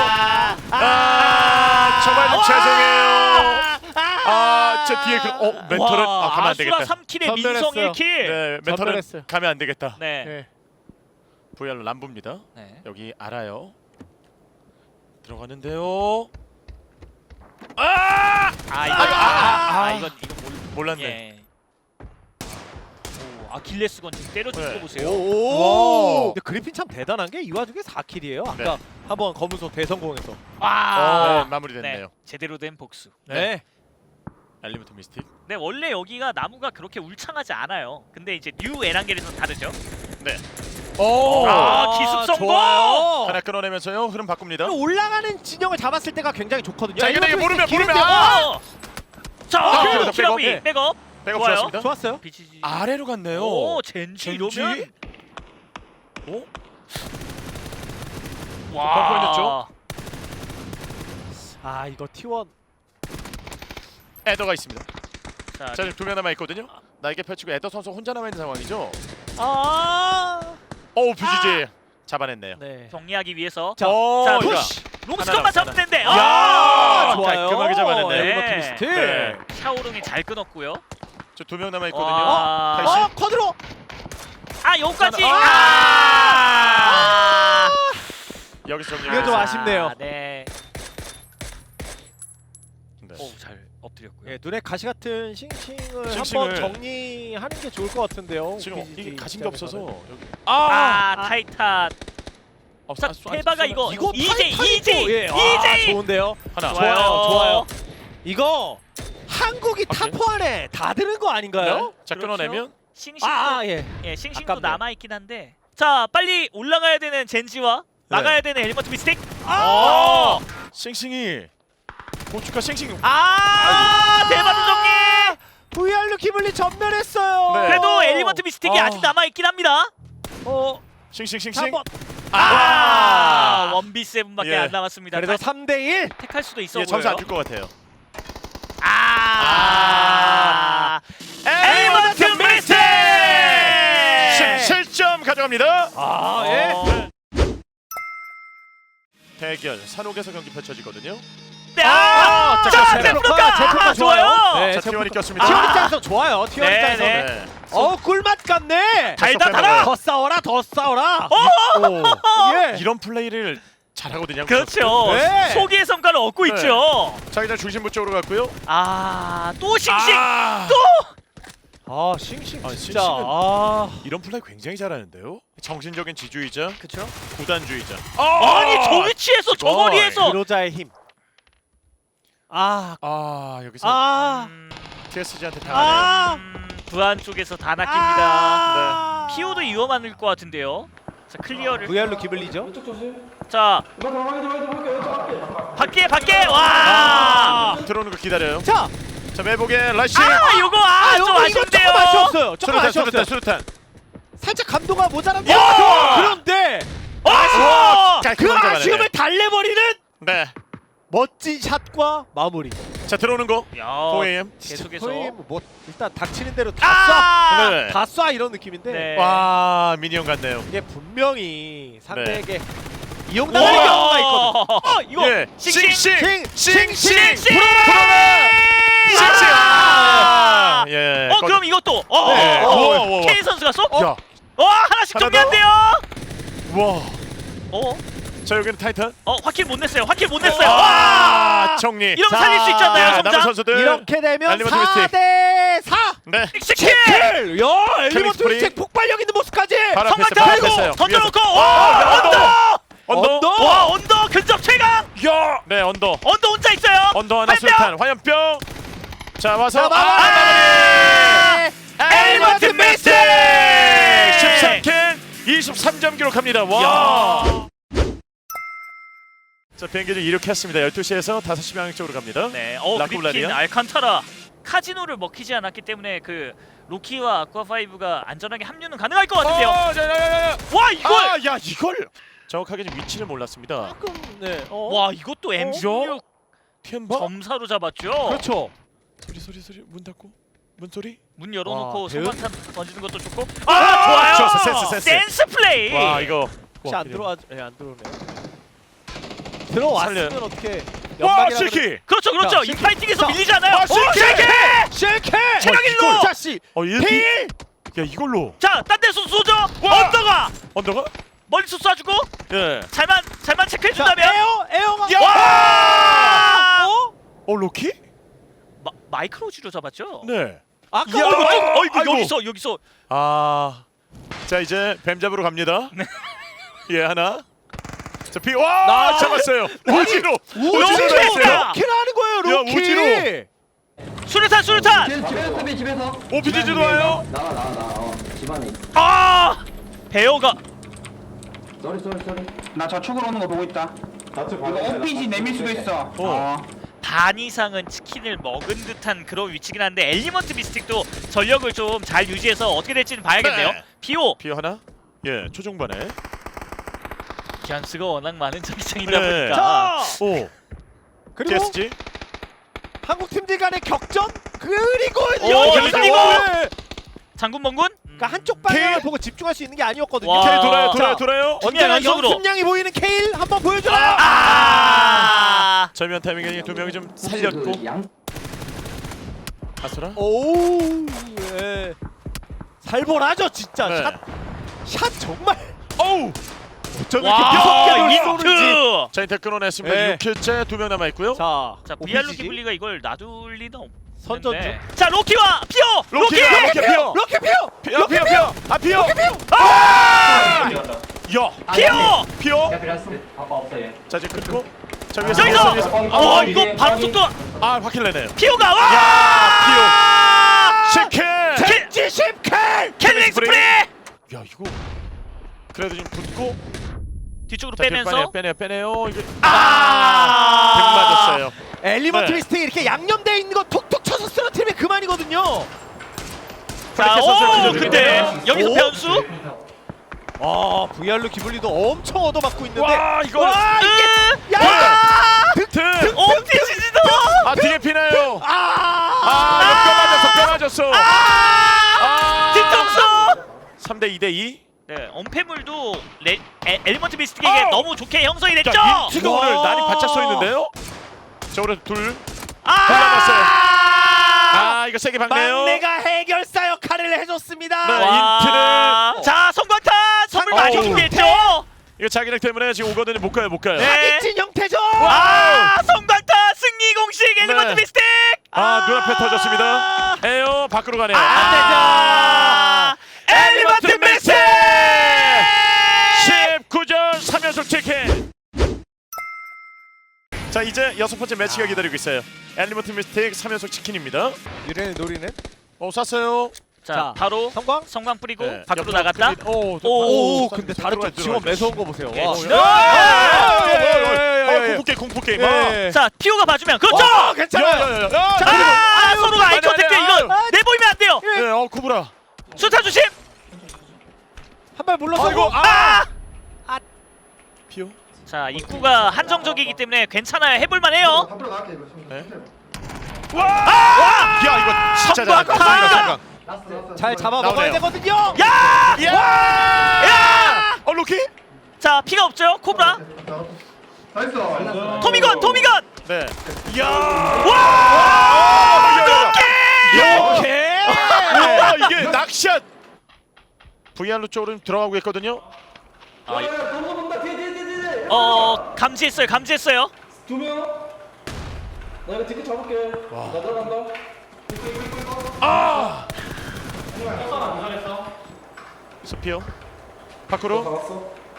[SPEAKER 2] 어, 멘토를 아, 가면 안 되겠다.
[SPEAKER 3] 아수라 삼 킬에 민성
[SPEAKER 1] 전멸했어요.
[SPEAKER 3] 일 킬.
[SPEAKER 2] 네, 멘토는
[SPEAKER 1] 전멸했어요.
[SPEAKER 2] 가면 안 되겠다.
[SPEAKER 3] 네.
[SPEAKER 1] 네.
[SPEAKER 2] 브이알로 람부입니다.
[SPEAKER 3] 네.
[SPEAKER 2] 여기 알아요. 들어가는데요. 아!
[SPEAKER 3] 아 이거
[SPEAKER 2] 아,
[SPEAKER 3] 아,
[SPEAKER 2] 아,
[SPEAKER 3] 아,
[SPEAKER 2] 아.
[SPEAKER 3] 이건 이거 몰.
[SPEAKER 2] 몰랐네.
[SPEAKER 3] 예. 오, 아킬레스건 지금 때려주는
[SPEAKER 2] 네.
[SPEAKER 3] 거 보세요.
[SPEAKER 1] 오. 근데 그리핀 참 대단한 게 이 와중에 사 킬이에요. 아까
[SPEAKER 2] 네.
[SPEAKER 1] 한번 검은소 대성공해서.
[SPEAKER 3] 아,
[SPEAKER 2] 어, 마무리됐네요.
[SPEAKER 3] 네. 제대로 된 복수.
[SPEAKER 1] 네.
[SPEAKER 2] 엘리먼트 미스틱.
[SPEAKER 3] 네, 원래 여기가 나무가 그렇게 울창하지 않아요. 근데 이제 뉴 에란겔에서는 다르죠.
[SPEAKER 2] 네.
[SPEAKER 1] 오.
[SPEAKER 3] 아, 기습 성공!
[SPEAKER 1] 좋아요.
[SPEAKER 2] 하나 끊어내면서요. 흐름 바꿉니다.
[SPEAKER 1] 올라가는 진영을 잡았을 때가 굉장히 좋거든요.
[SPEAKER 2] 자, 이거
[SPEAKER 1] 엘리먼트
[SPEAKER 2] 모르면
[SPEAKER 1] 미스틱
[SPEAKER 2] 모르면
[SPEAKER 1] 기는데,
[SPEAKER 2] 아!
[SPEAKER 3] 어! 자,
[SPEAKER 2] 아,
[SPEAKER 3] 그래도
[SPEAKER 2] 백업,
[SPEAKER 3] 키라비
[SPEAKER 1] 백업.
[SPEAKER 3] 백업.
[SPEAKER 2] 백업
[SPEAKER 3] 좋아요.
[SPEAKER 2] 좋았습니다.
[SPEAKER 1] 좋았어요.
[SPEAKER 3] 비치지.
[SPEAKER 2] 아래로 갔네요.
[SPEAKER 3] 오, 젠지
[SPEAKER 2] 젠지?
[SPEAKER 3] 이러면
[SPEAKER 2] 어?
[SPEAKER 3] 와.
[SPEAKER 2] 걸렸죠?
[SPEAKER 1] 아 이거 티원.
[SPEAKER 2] 에더가 있습니다.
[SPEAKER 3] 자,
[SPEAKER 2] 자, 지금 두 명 남아 있거든요. 날개 펼치고 에더 선수 혼자 남아 있는 상황이죠.
[SPEAKER 1] 아.
[SPEAKER 2] 오, 비지지 잡아냈네요.
[SPEAKER 1] 네.
[SPEAKER 3] 정리하기 위해서
[SPEAKER 1] 자,
[SPEAKER 2] 오,
[SPEAKER 3] 자,
[SPEAKER 2] 이거.
[SPEAKER 1] 푸시.
[SPEAKER 3] 롱스컷만
[SPEAKER 2] 하나
[SPEAKER 3] 잡으면 되는데.
[SPEAKER 2] 야!
[SPEAKER 3] 아!
[SPEAKER 1] 좋아요.
[SPEAKER 2] 깔끔하게 잡아냈네요.
[SPEAKER 1] 엘리먼트
[SPEAKER 3] 네.
[SPEAKER 1] 미스틱.
[SPEAKER 2] 네.
[SPEAKER 3] 샤오롱이 잘 끊었고요.
[SPEAKER 2] 저 두 명 남아 있거든요.
[SPEAKER 3] 와.
[SPEAKER 2] 다시.
[SPEAKER 1] 어 쿼드로.
[SPEAKER 3] 아, 여기까지.
[SPEAKER 2] 아!
[SPEAKER 3] 아!
[SPEAKER 2] 여기서 정리.
[SPEAKER 1] 이거 좀 아쉽네요.
[SPEAKER 3] 네.
[SPEAKER 2] 네.
[SPEAKER 3] 오, 잘 엎드렸고요.
[SPEAKER 1] 예, 눈에 가시 같은 싱싱을
[SPEAKER 2] 싱싱을.
[SPEAKER 1] 한번 정리하는 게 좋을 것 같은데요.
[SPEAKER 2] 지금
[SPEAKER 1] 오피지지
[SPEAKER 2] 이게 가진 게 없어서
[SPEAKER 1] 입장에서는.
[SPEAKER 2] 여기.
[SPEAKER 3] 아,
[SPEAKER 1] 아.
[SPEAKER 3] 타이탄.
[SPEAKER 2] 어,
[SPEAKER 3] 자,
[SPEAKER 2] 아, 쏘-
[SPEAKER 3] 테바가
[SPEAKER 2] 아,
[SPEAKER 3] 이거
[SPEAKER 1] 이거
[SPEAKER 3] 이제이
[SPEAKER 1] 타이탄이
[SPEAKER 3] 이제이
[SPEAKER 1] 또, 예. 아,
[SPEAKER 3] 이제이.
[SPEAKER 1] 좋은데요.
[SPEAKER 2] 하나.
[SPEAKER 1] 좋아요, 좋아요.
[SPEAKER 3] 좋아요.
[SPEAKER 1] 이거 한국이
[SPEAKER 2] 오케이.
[SPEAKER 1] 탑 안에 다 드는 거 아닌가요?
[SPEAKER 2] 네. 자,
[SPEAKER 3] 그렇죠.
[SPEAKER 2] 끊어내면
[SPEAKER 3] 싱싱도
[SPEAKER 1] 아, 아 예.
[SPEAKER 3] 예, 싱싱도
[SPEAKER 1] 아깝네요.
[SPEAKER 3] 남아 있긴 한데. 자, 빨리 올라가야 되는 젠지와
[SPEAKER 2] 네.
[SPEAKER 3] 나가야 되는 엘리먼트 미스틱.
[SPEAKER 1] 아!
[SPEAKER 3] 어!
[SPEAKER 2] 싱싱이 고춧가 싱싱.
[SPEAKER 3] 아! 대바도 정리.
[SPEAKER 1] 브이알로 기블리 전멸했어요.
[SPEAKER 2] 네.
[SPEAKER 3] 그래도 엘리먼트 미스틱이
[SPEAKER 2] 아.
[SPEAKER 3] 아직 남아 있긴 합니다.
[SPEAKER 1] 어,
[SPEAKER 2] 싱싱싱싱.
[SPEAKER 1] 한번.
[SPEAKER 3] 아,
[SPEAKER 1] 아!
[SPEAKER 3] 원비 세븐밖에
[SPEAKER 2] 예.
[SPEAKER 3] 안 남았습니다.
[SPEAKER 1] 그래도
[SPEAKER 3] 다
[SPEAKER 1] 삼 대 일.
[SPEAKER 3] 택할 수도 있어
[SPEAKER 2] 예,
[SPEAKER 3] 보여요.
[SPEAKER 2] 점수 안 줄 것 같아요.
[SPEAKER 3] 아! 엘리먼트 미스틱!
[SPEAKER 2] 십칠 점 가져갑니다.
[SPEAKER 1] 아, 예.
[SPEAKER 3] 어.
[SPEAKER 2] 대결 산옥에서 경기 펼쳐지거든요.
[SPEAKER 3] 네,
[SPEAKER 2] 아,
[SPEAKER 3] 아!
[SPEAKER 2] 자,
[SPEAKER 3] 자,
[SPEAKER 2] 제프로카,
[SPEAKER 3] 제프로카!
[SPEAKER 1] 제프로카
[SPEAKER 3] 아,
[SPEAKER 1] 좋아요.
[SPEAKER 3] 좋아요.
[SPEAKER 1] 네,
[SPEAKER 2] 자,
[SPEAKER 1] 제프로카.
[SPEAKER 2] 티원이 꼈습니다.
[SPEAKER 1] 티원 입장에서 좋아요. 티원
[SPEAKER 3] 네,
[SPEAKER 1] 입장에서.
[SPEAKER 3] 네.
[SPEAKER 2] 네.
[SPEAKER 1] 어, 꿀맛 같네.
[SPEAKER 3] 달다
[SPEAKER 2] 쏙
[SPEAKER 3] 달아!
[SPEAKER 1] 더 싸워라, 더 싸워라.
[SPEAKER 2] 오,
[SPEAKER 1] 예.
[SPEAKER 2] 이런 플레이를 잘하거든요.
[SPEAKER 3] 그렇죠.
[SPEAKER 1] 네.
[SPEAKER 3] 소기의 성과를 얻고
[SPEAKER 2] 네.
[SPEAKER 3] 있죠.
[SPEAKER 2] 자기장 중심부 쪽으로 갔고요.
[SPEAKER 3] 아, 또 싱싱!
[SPEAKER 2] 아,
[SPEAKER 1] 아, 싱싱
[SPEAKER 2] 아,
[SPEAKER 1] 진짜.
[SPEAKER 2] 싱싱은-
[SPEAKER 1] 아.
[SPEAKER 2] 이런 플레이 굉장히 잘하는데요. 정신적인 지주이자
[SPEAKER 3] 그렇죠.
[SPEAKER 2] 구단주의자.
[SPEAKER 3] 아니, 저 위치에서 저
[SPEAKER 2] 이거.
[SPEAKER 3] 거리에서
[SPEAKER 1] 그로자의 힘. 아.
[SPEAKER 2] 아, 여기서
[SPEAKER 1] 아.
[SPEAKER 3] 음,
[SPEAKER 2] 티에스지한테 당하네요.
[SPEAKER 1] 아.
[SPEAKER 3] 음, 부안 쪽에서 다 낚입니다.
[SPEAKER 1] 아.
[SPEAKER 3] 피오도 위험할 것 같은데요. 자, 클리어를.
[SPEAKER 1] 브이알로 기블리죠?
[SPEAKER 3] 자,
[SPEAKER 4] 이거 들어가게 들어가게 들어가게 왼쪽
[SPEAKER 3] 밖에
[SPEAKER 4] 밖에.
[SPEAKER 3] 밖에 와!
[SPEAKER 2] 아, 들어오는 거 기다려요.
[SPEAKER 1] 자.
[SPEAKER 2] 자, 매복의 라시.
[SPEAKER 3] 아, 요거 아, 좀
[SPEAKER 1] 요거 이거
[SPEAKER 3] 아쉽네요.
[SPEAKER 1] 조금 아쉬웠어요. 조금
[SPEAKER 2] 수류탄,
[SPEAKER 1] 아쉬웠어요.
[SPEAKER 2] 수류탄, 수류탄.
[SPEAKER 1] 살짝 감도가 모자란데.
[SPEAKER 2] 야!
[SPEAKER 1] 그런데
[SPEAKER 3] 아!
[SPEAKER 1] 그
[SPEAKER 2] 깔끔하게 잡아내네.
[SPEAKER 1] 아쉬움을 달래버리는
[SPEAKER 2] 네.
[SPEAKER 1] 멋진 샷과 마무리.
[SPEAKER 2] 자, 들어오는 거.
[SPEAKER 3] 야,
[SPEAKER 2] 포에임.
[SPEAKER 3] 계속해서.
[SPEAKER 1] 거의 뭐 일단 닥치는 대로 다
[SPEAKER 3] 아!
[SPEAKER 2] 네.
[SPEAKER 1] 쏴. 다 쏴 이런 느낌인데
[SPEAKER 3] 네.
[SPEAKER 2] 와, 미니언 같네요.
[SPEAKER 1] 이게 분명히 상대에게
[SPEAKER 3] 우와!
[SPEAKER 1] 이용당할 경우가 있거든.
[SPEAKER 3] 어, 이거
[SPEAKER 2] 예.
[SPEAKER 3] 싱싱!
[SPEAKER 2] 싱싱.
[SPEAKER 1] 싱싱!
[SPEAKER 3] 싱싱!
[SPEAKER 2] 불어라. 싱싱.
[SPEAKER 3] 아!
[SPEAKER 2] 아, 예.
[SPEAKER 3] 어, 그럼 이것도. 어,
[SPEAKER 2] 네.
[SPEAKER 3] 어, 어.
[SPEAKER 2] 우와, 우와, 우와.
[SPEAKER 3] K 선수가 쏙.
[SPEAKER 2] 야.
[SPEAKER 3] 어, 하나씩
[SPEAKER 2] 하나
[SPEAKER 3] 정리한대요.
[SPEAKER 2] 와.
[SPEAKER 3] 어,
[SPEAKER 2] 자, 여기는 타이탄.
[SPEAKER 3] 어, 확킬 못 냈어요. 확킬 못 냈어요.
[SPEAKER 2] 와,
[SPEAKER 3] 와!
[SPEAKER 2] 정리.
[SPEAKER 3] 이러면
[SPEAKER 1] 자,
[SPEAKER 3] 살릴 수 있지 않나요,
[SPEAKER 2] 야, 남은
[SPEAKER 3] 성장?
[SPEAKER 2] 선수들.
[SPEAKER 1] 이렇게 되면
[SPEAKER 2] 엘리먼트
[SPEAKER 1] 사
[SPEAKER 2] 미스틱.
[SPEAKER 1] 대 사.
[SPEAKER 2] 네.
[SPEAKER 3] 씩씩해!
[SPEAKER 1] 킬! 야, 엘리먼트
[SPEAKER 2] 스프링.
[SPEAKER 1] 미스틱 폭발력 있는 모습까지.
[SPEAKER 2] 바로 앞에
[SPEAKER 3] 성광탄
[SPEAKER 2] 바로
[SPEAKER 3] 들고
[SPEAKER 2] 앞에 있어요.
[SPEAKER 3] 던져놓고
[SPEAKER 2] 위에서.
[SPEAKER 3] 와! 언더!
[SPEAKER 2] 언더.
[SPEAKER 1] 언더.
[SPEAKER 3] 와, 언더 근접 최강!
[SPEAKER 2] 야. 네, 언더.
[SPEAKER 3] 언더 혼자 있어요.
[SPEAKER 2] 언더 하나
[SPEAKER 3] 화염병!
[SPEAKER 2] 수류탄. 화염병. 자, 와서
[SPEAKER 1] 자, 마무리!
[SPEAKER 2] 아, 마무리.
[SPEAKER 3] 엘리먼트 미스틱!
[SPEAKER 2] 십삼 킬, 이십삼 점 기록합니다. 와.
[SPEAKER 3] 야.
[SPEAKER 2] 자, 비행기 좀 이륙했습니다. 열두 시에서 다섯 시 방향 쪽으로 갑니다.
[SPEAKER 3] 네, 어, 그리핀,
[SPEAKER 2] 라쿠블라리아.
[SPEAKER 3] 알칸타라 카지노를 먹히지 않았기 때문에 그 로키와 아쿠아파이브가 안전하게 합류는 가능할 것 같은데요.
[SPEAKER 2] 어, 자, 야, 야, 야.
[SPEAKER 3] 와, 이걸!
[SPEAKER 2] 아, 야, 이걸 정확하게 좀 위치를 몰랐습니다.
[SPEAKER 1] 조금 네. 어.
[SPEAKER 3] 와, 이것도 엠 십육
[SPEAKER 2] 템바?
[SPEAKER 3] 점사로 잡았죠.
[SPEAKER 1] 그렇죠.
[SPEAKER 2] 소리 소리 소리 문 닫고 문 소리.
[SPEAKER 3] 문 열어놓고
[SPEAKER 1] 와, 배우-
[SPEAKER 3] 성광탄 던지는 것도 좋고.
[SPEAKER 2] 아,
[SPEAKER 3] 아, 좋아요.
[SPEAKER 2] 좋았어, 센스, 센스.
[SPEAKER 3] 플레이.
[SPEAKER 2] 와, 이거
[SPEAKER 1] 혹시 안 들어와? 예, 안 들어오네요. 들어왔으면
[SPEAKER 2] 살려요.
[SPEAKER 1] 어떻게
[SPEAKER 2] 와
[SPEAKER 1] 연막이라
[SPEAKER 2] 실키.
[SPEAKER 3] 그렇죠 그렇죠.
[SPEAKER 1] 자,
[SPEAKER 3] 인파이팅에서
[SPEAKER 1] 자,
[SPEAKER 3] 밀리지 않아요.
[SPEAKER 2] 아,
[SPEAKER 3] 오,
[SPEAKER 2] 실키!
[SPEAKER 3] 실키!
[SPEAKER 1] 실캐
[SPEAKER 3] 체력
[SPEAKER 2] 어,
[SPEAKER 3] 일로!
[SPEAKER 1] 자씨
[SPEAKER 2] 어 일.
[SPEAKER 1] 필
[SPEAKER 2] 야 이걸로.
[SPEAKER 3] 자, 딴 데서 쏘죠.
[SPEAKER 2] 와!
[SPEAKER 3] 언더가
[SPEAKER 2] 언더가?
[SPEAKER 3] 멀리서 쏴주고
[SPEAKER 2] 예.
[SPEAKER 3] 잘만 잘만 체크해
[SPEAKER 1] 자
[SPEAKER 3] 준다면.
[SPEAKER 1] 에어 에어가
[SPEAKER 2] 야!
[SPEAKER 3] 와! 어?
[SPEAKER 2] 어 로키?
[SPEAKER 3] 마, 마이크로지로 잡았죠?
[SPEAKER 2] 네.
[SPEAKER 1] 아까
[SPEAKER 2] 야!
[SPEAKER 3] 어이구,
[SPEAKER 1] 어,
[SPEAKER 3] 어이구, 어이구,
[SPEAKER 2] 아이고.
[SPEAKER 3] 여기서 여기서
[SPEAKER 2] 아. 자 이제 뱀 잡으러 갑니다. 예 하나. 자 피. 와
[SPEAKER 1] 나-
[SPEAKER 2] 잡았어요. 우지로. 우지로
[SPEAKER 3] 로키가!
[SPEAKER 2] 나왔어요.
[SPEAKER 1] 키라는 거예요
[SPEAKER 2] 야,
[SPEAKER 1] 로키
[SPEAKER 2] 우지로.
[SPEAKER 3] 수류탄 수류탄.
[SPEAKER 4] 집에서 집에서 수비 집에서.
[SPEAKER 2] 오피지도 와요.
[SPEAKER 4] 나와 나와 나와. 어, 집안에. 있어.
[SPEAKER 3] 아! 배어가
[SPEAKER 4] 쏘리 쏘리 쏘리.
[SPEAKER 5] 나 저쪽으로 오는 거 보고 있다.
[SPEAKER 4] 좌측
[SPEAKER 5] 이거 오피지 내밀 수도 있어.
[SPEAKER 2] 어.
[SPEAKER 5] 어.
[SPEAKER 3] 반 이상은 치킨을 먹은 듯한 그런 위치긴 한데 엘리먼트 미스틱도 전력을 좀 잘 유지해서 어떻게 될지는 봐야겠네요.
[SPEAKER 2] 네.
[SPEAKER 3] 비오
[SPEAKER 2] 피 하나. 예 초중반에.
[SPEAKER 3] 기안스가 워낙 많은 자기장이다
[SPEAKER 2] 네.
[SPEAKER 3] 보니까
[SPEAKER 1] 자
[SPEAKER 2] 오.
[SPEAKER 1] 그리고
[SPEAKER 2] 티에스지.
[SPEAKER 1] 한국 팀들 간의 격전 그리고
[SPEAKER 3] 오,
[SPEAKER 1] 여기서
[SPEAKER 3] 그리고!
[SPEAKER 1] 네.
[SPEAKER 3] 장군 멍군.
[SPEAKER 1] 그러니까 한쪽 방향을
[SPEAKER 2] 케일.
[SPEAKER 1] 보고 집중할 수 있는 게 아니었거든요.
[SPEAKER 3] 와.
[SPEAKER 2] 케일 돌아요 돌아요
[SPEAKER 1] 자.
[SPEAKER 2] 돌아요.
[SPEAKER 1] 언제나
[SPEAKER 3] 연속으로.
[SPEAKER 1] 연습량이 보이는 케일 한번 보여줘라.
[SPEAKER 3] 아!
[SPEAKER 2] 절묘한 타이밍에 두 명이 좀 살렸고.
[SPEAKER 4] 그 양.
[SPEAKER 2] 아수라.
[SPEAKER 1] 오, 예. 살벌하죠 진짜.
[SPEAKER 2] 네.
[SPEAKER 1] 샷, 샷 정말.
[SPEAKER 2] 어우. 어쩜 이렇게
[SPEAKER 3] 와,
[SPEAKER 2] 묘하게
[SPEAKER 1] 쏘는지.
[SPEAKER 3] 인트.
[SPEAKER 2] 자 인터 끊어냈습니다.
[SPEAKER 1] 네.
[SPEAKER 2] 육 킬째 두 명 남아 있고요.
[SPEAKER 1] 자,
[SPEAKER 3] 자,
[SPEAKER 1] 오피지지.
[SPEAKER 3] 비알로 기블리가 이걸 놔둘 리는 없는데.
[SPEAKER 1] 선전주.
[SPEAKER 3] 자, 로키와 피오. 로키.
[SPEAKER 2] 로키가 로키 피어.
[SPEAKER 1] 럭키 피오.
[SPEAKER 2] 피어 피어 피어. 아 피어.
[SPEAKER 1] 럭키 피오.
[SPEAKER 2] 아! 야.
[SPEAKER 3] 피오.
[SPEAKER 2] 피어.
[SPEAKER 4] 아빠 없어 얘.
[SPEAKER 2] 자 이제 끊고. 자 위에서
[SPEAKER 3] 여기서!
[SPEAKER 2] 위에서, 위에서.
[SPEAKER 3] 어,
[SPEAKER 2] 아,
[SPEAKER 3] 이거 바로 속도가
[SPEAKER 2] 아 확킬 내네요.
[SPEAKER 3] 피오가 와!
[SPEAKER 2] 야, 피오. 십 킬.
[SPEAKER 1] 젠지 십 킬.
[SPEAKER 3] 캘링 스프레이.
[SPEAKER 2] 야 이거. 그래도 좀 붙고.
[SPEAKER 3] 뒤쪽으로
[SPEAKER 2] 자,
[SPEAKER 3] 빼면서
[SPEAKER 2] 빼내요 빼내요 빼내요. 이게
[SPEAKER 3] 아!
[SPEAKER 2] 등 맞았어요.
[SPEAKER 1] 엘리먼트
[SPEAKER 2] 네.
[SPEAKER 1] 미스틱 이렇게 양념돼 있는 거 툭툭 쳐서 쓰러뜨리면 그만이거든요.
[SPEAKER 3] 자,
[SPEAKER 2] 프리킥 선수를
[SPEAKER 3] 오,
[SPEAKER 2] 던져드리고요.
[SPEAKER 3] 근데 여기서
[SPEAKER 1] 오.
[SPEAKER 3] 변수.
[SPEAKER 1] 아, 브이알로 기블리도 엄청 얻어맞고 있는데.
[SPEAKER 2] 와 이거.
[SPEAKER 1] 와,
[SPEAKER 3] 으!
[SPEAKER 1] 야!
[SPEAKER 2] 등.
[SPEAKER 3] 옴티지지도.
[SPEAKER 2] 아 뒤에 피나요.
[SPEAKER 1] 아!
[SPEAKER 2] 아 뼈 맞았어 뼈 맞았어.
[SPEAKER 3] 아! 뒤통수.
[SPEAKER 2] 삼 대 이 대 이.
[SPEAKER 3] 네, 엄폐물도 레, 에, 엘리먼트 미스틱에게
[SPEAKER 2] 어!
[SPEAKER 3] 너무 좋게 형성이 됐죠.
[SPEAKER 2] 자 인트가
[SPEAKER 1] 와.
[SPEAKER 2] 오늘 날이 바짝 서 있는데요. 자 오늘 둘.
[SPEAKER 3] 아!
[SPEAKER 2] 골라놨어요. 아 이거 세게 박네요.
[SPEAKER 1] 막내가 해결사 역할을 해줬습니다.
[SPEAKER 2] 네.
[SPEAKER 3] 와.
[SPEAKER 2] 인트는-
[SPEAKER 3] 자, 성광탄 선물
[SPEAKER 1] 상-
[SPEAKER 3] 많이
[SPEAKER 1] 어우.
[SPEAKER 3] 준비했죠.
[SPEAKER 2] 이거 자기력 때문에 지금 오거든요. 못 가요 못 가요.
[SPEAKER 3] 네.
[SPEAKER 1] 사기친 형태죠.
[SPEAKER 3] 아, 성광탄 승리 공식 엘리먼트
[SPEAKER 2] 네.
[SPEAKER 3] 미스틱.
[SPEAKER 2] 아 눈앞에 터졌습니다. 에어 밖으로 가네요.
[SPEAKER 3] 안 되죠. 엘리먼트 미스틱.
[SPEAKER 2] 십구 전 삼 연속 치킨. 자 이제 여섯 번째 매치가 기다리고 있어요. 엘리먼트 미스틱 삼 연속 치킨입니다.
[SPEAKER 1] 유래를 노리는
[SPEAKER 2] 어 쐈어요.
[SPEAKER 3] 자,
[SPEAKER 1] 자,
[SPEAKER 3] 바로
[SPEAKER 1] 성광.
[SPEAKER 3] 성광 뿌리고
[SPEAKER 2] 네,
[SPEAKER 3] 밖으로
[SPEAKER 2] 옆으로
[SPEAKER 3] 나갔다.
[SPEAKER 2] 끌리- 오,
[SPEAKER 3] 오,
[SPEAKER 1] 오, 근데 다른 쪽 지원 매서운 거 보세요.
[SPEAKER 3] 예,
[SPEAKER 1] 와.
[SPEAKER 3] 지원.
[SPEAKER 1] 아, 예, 예, 예, 예, 예.
[SPEAKER 2] 공포 게임 공포 게임.
[SPEAKER 1] 예.
[SPEAKER 3] 자, 피오가 봐주면 그렇죠.
[SPEAKER 1] 어, 괜찮아요.
[SPEAKER 2] 자,
[SPEAKER 3] 아,
[SPEAKER 1] 아유,
[SPEAKER 3] 서로가 아이
[SPEAKER 2] 아니,
[SPEAKER 3] 컨택트
[SPEAKER 2] 아니,
[SPEAKER 3] 이거
[SPEAKER 2] 아유.
[SPEAKER 3] 내보이면 안 돼요.
[SPEAKER 2] 네, 어 구부라.
[SPEAKER 3] 수타 조심.
[SPEAKER 1] 한 발 물러서고.
[SPEAKER 2] 아이고,
[SPEAKER 3] 아!
[SPEAKER 2] 피오.
[SPEAKER 3] 자, 입구가 한정적이기 때문에 괜찮아요. 해볼 만해요.
[SPEAKER 4] 앞으로 나갈게 이거.
[SPEAKER 2] 네.
[SPEAKER 3] 아!
[SPEAKER 2] 야 이거 진짜
[SPEAKER 3] 성광!
[SPEAKER 2] 잘한다. 성광.
[SPEAKER 4] 라스트 라스트.
[SPEAKER 1] 잘 잡아 먹어야
[SPEAKER 2] 나오네요.
[SPEAKER 1] 되거든요.
[SPEAKER 3] 야!
[SPEAKER 2] 야!
[SPEAKER 3] 야!
[SPEAKER 2] 어 로키?
[SPEAKER 3] 자, 피가 없죠. 코브라.
[SPEAKER 4] 나이스.
[SPEAKER 3] 토미건, 토미건.
[SPEAKER 2] 네. 야!
[SPEAKER 3] 와!
[SPEAKER 2] 이렇게! 와 이게 낚샷. 브이알로 쪽으로 들어가고 있거든요.
[SPEAKER 3] 아, 이-
[SPEAKER 4] 너무 본다. 뒤에 뒤에 뒤에 뒤에.
[SPEAKER 3] 어, 감지했어요. 감지했어요.
[SPEAKER 4] 두 명. 나 이거 디켓 잡을게. 나 들어간다.
[SPEAKER 2] 아! 스피어. 밖으로.
[SPEAKER 4] 잡았어.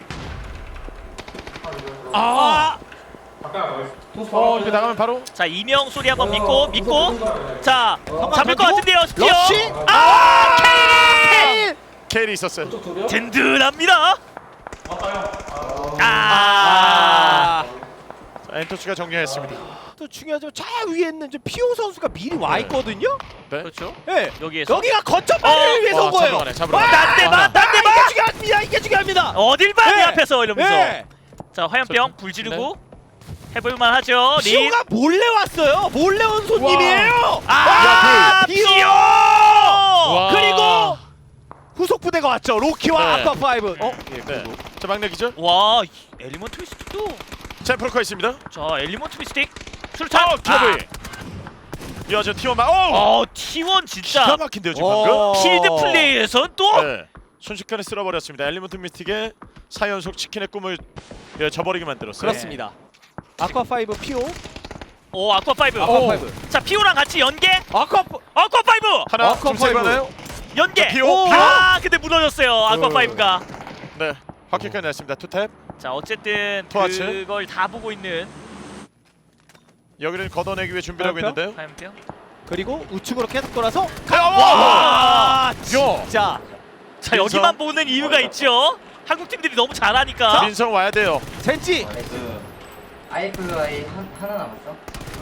[SPEAKER 3] 아!
[SPEAKER 2] 어 이거 나가면 바로.
[SPEAKER 3] 자, 이명 소리 한번 믿고 믿고. 자, 잡을 것
[SPEAKER 1] 던지고.
[SPEAKER 3] 같은데요. 스피어.
[SPEAKER 1] 러쉬.
[SPEAKER 3] 아! 케일!
[SPEAKER 2] 케일이 있었어요.
[SPEAKER 4] 쪽 둘이야?
[SPEAKER 3] 든든합니다. 아!
[SPEAKER 1] 아.
[SPEAKER 2] 자, 엔터치가 정리했습니다.
[SPEAKER 1] 또 중요하지만 저 위에 있는 저 피오 선수가 미리 와 있거든요.
[SPEAKER 2] 네.
[SPEAKER 3] 그렇죠.
[SPEAKER 1] 예.
[SPEAKER 3] 여기에서
[SPEAKER 1] 여기가 거점 발을
[SPEAKER 3] 어,
[SPEAKER 1] 위해서 온
[SPEAKER 2] 와,
[SPEAKER 1] 거예요.
[SPEAKER 2] 잡으러 가네, 잡으러
[SPEAKER 1] 와,
[SPEAKER 2] 가네.
[SPEAKER 3] 딴 데 봐,
[SPEAKER 2] 와.
[SPEAKER 3] 딴 데
[SPEAKER 1] 아,
[SPEAKER 3] 봐.
[SPEAKER 1] 이게 중요합니다. 이게 중요합니다.
[SPEAKER 3] 어딜 봐, 내
[SPEAKER 1] 네.
[SPEAKER 3] 앞에서 이러면서.
[SPEAKER 1] 예.
[SPEAKER 3] 자, 화염병 불 지르고 해볼만 하죠. 린.
[SPEAKER 1] 피오가 몰래 왔어요. 몰래 온 손님이에요.
[SPEAKER 3] 아,
[SPEAKER 1] 와, 피오.
[SPEAKER 3] 피오!
[SPEAKER 2] 와.
[SPEAKER 1] 그리고 후속 부대가 왔죠. 로키와
[SPEAKER 2] 네.
[SPEAKER 1] 아쿠아 파이브. 어?
[SPEAKER 2] 네. 자 막내 기절.
[SPEAKER 3] 와, 이 엘리먼트 미스틱도
[SPEAKER 2] 자 프로커 있습니다.
[SPEAKER 3] 자 엘리먼트 미스틱 수류탄.
[SPEAKER 2] 어 터블. 이어져 티원 마. 오.
[SPEAKER 3] 어 티원 진짜
[SPEAKER 2] 기가 막힌데요 지금
[SPEAKER 1] 어.
[SPEAKER 2] 방금.
[SPEAKER 3] 필드 플레이에선 또
[SPEAKER 2] 네. 순식간에 쓸어버렸습니다. 엘리먼트 미스틱의 사 연속 치킨의 꿈을 예, 저버리게 만들었어요.
[SPEAKER 1] 그렇습니다. 아쿠아 파이브 피오.
[SPEAKER 3] 오 아쿠아 파이브.
[SPEAKER 1] 아쿠아
[SPEAKER 2] 오.
[SPEAKER 1] 파이브.
[SPEAKER 3] 자 피오랑 같이 연계.
[SPEAKER 1] 아쿠아 파-
[SPEAKER 3] 아쿠아 파이브
[SPEAKER 2] 하나
[SPEAKER 1] 아쿠아
[SPEAKER 2] 좀 세고
[SPEAKER 1] 파이브.
[SPEAKER 2] 하나요?
[SPEAKER 3] 연계.
[SPEAKER 2] 피오,
[SPEAKER 3] 오,
[SPEAKER 2] 피오.
[SPEAKER 3] 아 근데 무너졌어요 아쿠아
[SPEAKER 1] 어.
[SPEAKER 3] 파이브가.
[SPEAKER 2] 네. 확실하게 냈습니다. 투탭.
[SPEAKER 3] 자 어쨌든
[SPEAKER 2] 토하츠.
[SPEAKER 3] 그걸 다 보고 있는
[SPEAKER 2] 여기를 걷어내기 위해 준비를 하고
[SPEAKER 1] 화염병?
[SPEAKER 2] 있는데요.
[SPEAKER 3] 화염병.
[SPEAKER 1] 그리고 우측으로 계속 돌아서
[SPEAKER 2] 와!
[SPEAKER 1] 와 진짜
[SPEAKER 3] 자
[SPEAKER 2] 민성.
[SPEAKER 3] 여기만 보는 이유가 있죠. 한국 팀들이 너무 잘하니까.
[SPEAKER 2] 민성 와야 돼요.
[SPEAKER 1] 젠지
[SPEAKER 4] 그 아이플라이 한 하나 남았어.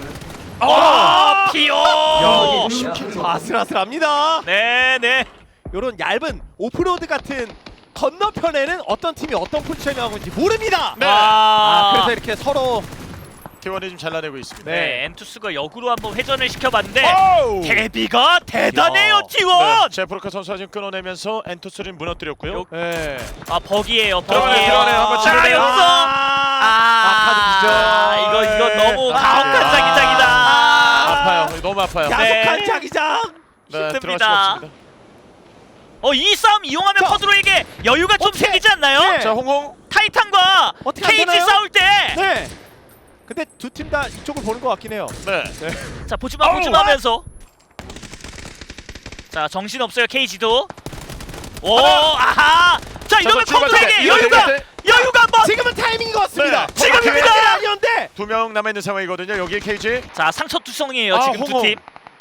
[SPEAKER 3] 아 피오.
[SPEAKER 1] 야,
[SPEAKER 4] 야,
[SPEAKER 1] 아슬아슬합니다.
[SPEAKER 3] 네네.
[SPEAKER 1] 요런 얇은 오프로드 같은 건너편에는 어떤 팀이 어떤 포지션이 하고 있는지 모릅니다.
[SPEAKER 2] 네.
[SPEAKER 1] 아,
[SPEAKER 3] 아
[SPEAKER 1] 그래서 이렇게 서로
[SPEAKER 2] 티원이 좀 잘라내고 있습니다.
[SPEAKER 3] 네 엔투스가 역으로 한번 회전을 시켜봤는데
[SPEAKER 2] 오우!
[SPEAKER 3] 데뷔가 대단해요
[SPEAKER 1] 야.
[SPEAKER 3] 티원.
[SPEAKER 2] 네. 제프로카 선수가 지금 끊어내면서 엔투스를 무너뜨렸고요.
[SPEAKER 3] 요-
[SPEAKER 1] 네.
[SPEAKER 3] 아 버기예요
[SPEAKER 2] 들어가네요,
[SPEAKER 3] 버기예요.
[SPEAKER 2] 들어가네요. 한번
[SPEAKER 3] 자
[SPEAKER 2] 치르네요.
[SPEAKER 3] 여기서
[SPEAKER 1] 아,
[SPEAKER 3] 아,
[SPEAKER 1] 카드 기절.
[SPEAKER 3] 이거 이거 너무
[SPEAKER 1] 아,
[SPEAKER 3] 가혹한
[SPEAKER 1] 아,
[SPEAKER 3] 자기장이다.
[SPEAKER 2] 아파요. 너무 아파요.
[SPEAKER 1] 야속한
[SPEAKER 3] 네.
[SPEAKER 1] 자기장.
[SPEAKER 2] 네, 들어갈
[SPEAKER 3] 힘듭니다.
[SPEAKER 2] 수가 없습니다.
[SPEAKER 3] 어 이 싸움 이용하면
[SPEAKER 1] 자.
[SPEAKER 3] 퍼드로에게 여유가 좀
[SPEAKER 1] 어떻게?
[SPEAKER 3] 생기지 않나요?
[SPEAKER 1] 네.
[SPEAKER 2] 자, 홍홍.
[SPEAKER 3] 타이탄과
[SPEAKER 1] 어떻게 안
[SPEAKER 3] 케이지
[SPEAKER 1] 되나요?
[SPEAKER 3] 싸울 때.
[SPEAKER 1] 네. 근데 두 팀 다 이쪽을 보는 것 같긴 해요.
[SPEAKER 2] 네.
[SPEAKER 3] 자 보지마
[SPEAKER 2] 어우.
[SPEAKER 3] 보지마 하면서. 자 정신 없어요 케이지도. 오
[SPEAKER 2] 하나.
[SPEAKER 3] 아하. 자 이러면
[SPEAKER 2] 자, 저
[SPEAKER 3] 커드에게
[SPEAKER 2] 출발대.
[SPEAKER 3] 여유가
[SPEAKER 2] 이거 돼,
[SPEAKER 3] 여유가 한번.
[SPEAKER 1] 지금은 타이밍인 것 같습니다.
[SPEAKER 2] 네.
[SPEAKER 3] 지금입니다.
[SPEAKER 1] 타이밍이 아니었는데.
[SPEAKER 2] 두 명 남아 있는 상황이거든요. 여기 케이지.
[SPEAKER 3] 자 상처 투성이에요
[SPEAKER 2] 아,
[SPEAKER 3] 지금
[SPEAKER 2] 홍홍.
[SPEAKER 3] 두 팀.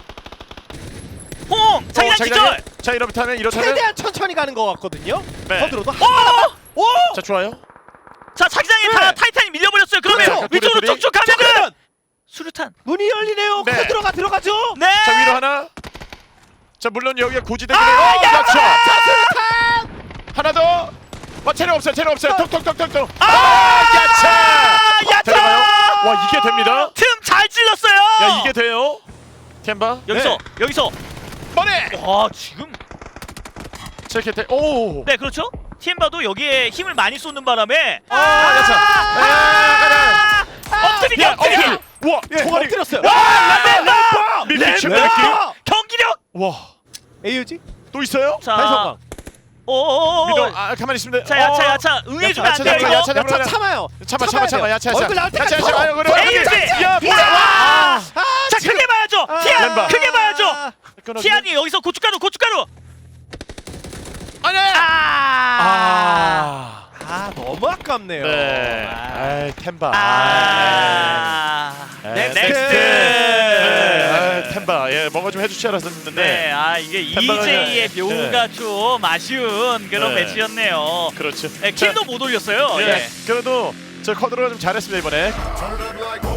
[SPEAKER 3] 홍 자기장
[SPEAKER 2] 어,
[SPEAKER 3] 기절.
[SPEAKER 2] 자, 이렇다면 이렇다면
[SPEAKER 1] 최대한 천천히 가는 것 같거든요.
[SPEAKER 2] 네.
[SPEAKER 1] 서드로도
[SPEAKER 3] 오!
[SPEAKER 1] 하나만. 오!
[SPEAKER 2] 자, 좋아요.
[SPEAKER 3] 자 자기장에
[SPEAKER 1] 네.
[SPEAKER 3] 다 타이탄이 밀려버렸어요. 그러면
[SPEAKER 1] 그렇죠.
[SPEAKER 3] 위쪽으로
[SPEAKER 2] 둘이, 둘이.
[SPEAKER 3] 쭉쭉
[SPEAKER 1] 자,
[SPEAKER 3] 가면은
[SPEAKER 1] 그러면
[SPEAKER 3] 수류탄.
[SPEAKER 1] 문이 열리네요.
[SPEAKER 2] 네.
[SPEAKER 1] 코드로가 들어가죠.
[SPEAKER 3] 네.
[SPEAKER 2] 자, 위로 하나. 자, 물론 여기가 고지대기네요.
[SPEAKER 3] 아,
[SPEAKER 2] 어,
[SPEAKER 3] 야!
[SPEAKER 2] 그렇죠.
[SPEAKER 1] 자, 수류탄.
[SPEAKER 2] 하나 더. 어, 체력 없어요. 체력 없어요.
[SPEAKER 1] 어.
[SPEAKER 2] 톡톡톡톡톡.
[SPEAKER 3] 아,
[SPEAKER 2] 야차.
[SPEAKER 3] 야차!
[SPEAKER 2] 데려가요. 와, 이게 됩니다.
[SPEAKER 3] 틈 잘 찔렀어요.
[SPEAKER 2] 야, 이게 돼요. 템바.
[SPEAKER 3] 여기서
[SPEAKER 1] 네.
[SPEAKER 3] 여기서
[SPEAKER 2] 머리.
[SPEAKER 3] 와 지금
[SPEAKER 2] 자, 이렇게 돼. 오.
[SPEAKER 3] 네 그렇죠. 티엠바도 여기에 힘을 많이 쏟는 바람에
[SPEAKER 2] 아, 야차. 야, 가자.
[SPEAKER 3] 엎드리기
[SPEAKER 2] 야,
[SPEAKER 3] 엎드리기
[SPEAKER 2] 엎드려. 우와,
[SPEAKER 1] 예,
[SPEAKER 2] 총알이.
[SPEAKER 1] 엎드렸어요.
[SPEAKER 3] 와,
[SPEAKER 1] 램버!
[SPEAKER 2] 밀리치
[SPEAKER 1] 램버!
[SPEAKER 2] 느낌.
[SPEAKER 3] 경기력.
[SPEAKER 2] 와.
[SPEAKER 1] 에이유지?
[SPEAKER 2] 또 있어요?
[SPEAKER 3] 자
[SPEAKER 1] 달성광.
[SPEAKER 3] 오오오
[SPEAKER 2] 믿어. 아, 가만히 있습니다.
[SPEAKER 3] 자 야차
[SPEAKER 2] 어.
[SPEAKER 3] 야차 응해주면 안
[SPEAKER 2] 야차,
[SPEAKER 3] 돼요
[SPEAKER 2] 야차,
[SPEAKER 3] 이거.
[SPEAKER 2] 야차.
[SPEAKER 1] 야차 참아요.
[SPEAKER 2] 참아, 참아,
[SPEAKER 1] 참아야
[SPEAKER 2] 참아.
[SPEAKER 1] 돼요.
[SPEAKER 2] 야차, 야차.
[SPEAKER 1] 얼굴 나올 때까지
[SPEAKER 2] 야차, 야차. 아유, 그래.
[SPEAKER 3] 에이유지.
[SPEAKER 2] 야, 뭐야?
[SPEAKER 3] 아,
[SPEAKER 1] 아,
[SPEAKER 3] 자
[SPEAKER 1] 지금-
[SPEAKER 3] 크게 봐야죠.
[SPEAKER 1] 아,
[SPEAKER 3] 티안
[SPEAKER 2] 램바.
[SPEAKER 3] 크게 봐야죠.
[SPEAKER 2] 끊어주네.
[SPEAKER 3] 티안이 여기서 고춧가루 고춧가루.
[SPEAKER 2] 아니.
[SPEAKER 3] 아.
[SPEAKER 2] 아.
[SPEAKER 1] 아, 너무 아깝네요.
[SPEAKER 2] 네.
[SPEAKER 1] 아.
[SPEAKER 2] 아이, 템바.
[SPEAKER 3] 아.
[SPEAKER 2] 네,
[SPEAKER 3] 넥스트.
[SPEAKER 2] 네. 아, 템바. 예, 뭔가 좀 해주지 않았었는데.
[SPEAKER 3] 네, 아 이게
[SPEAKER 2] 템바가
[SPEAKER 3] 이제이의
[SPEAKER 2] 네.
[SPEAKER 3] 묘가 좀 아쉬운 그런
[SPEAKER 2] 네.
[SPEAKER 3] 매치였네요.
[SPEAKER 2] 그렇죠.
[SPEAKER 3] 네, 킬도 못 올렸어요.
[SPEAKER 2] 예.
[SPEAKER 3] 예.
[SPEAKER 2] 그래도 저 커드로가 좀 잘했습니다 이번에.
[SPEAKER 6] Turn it like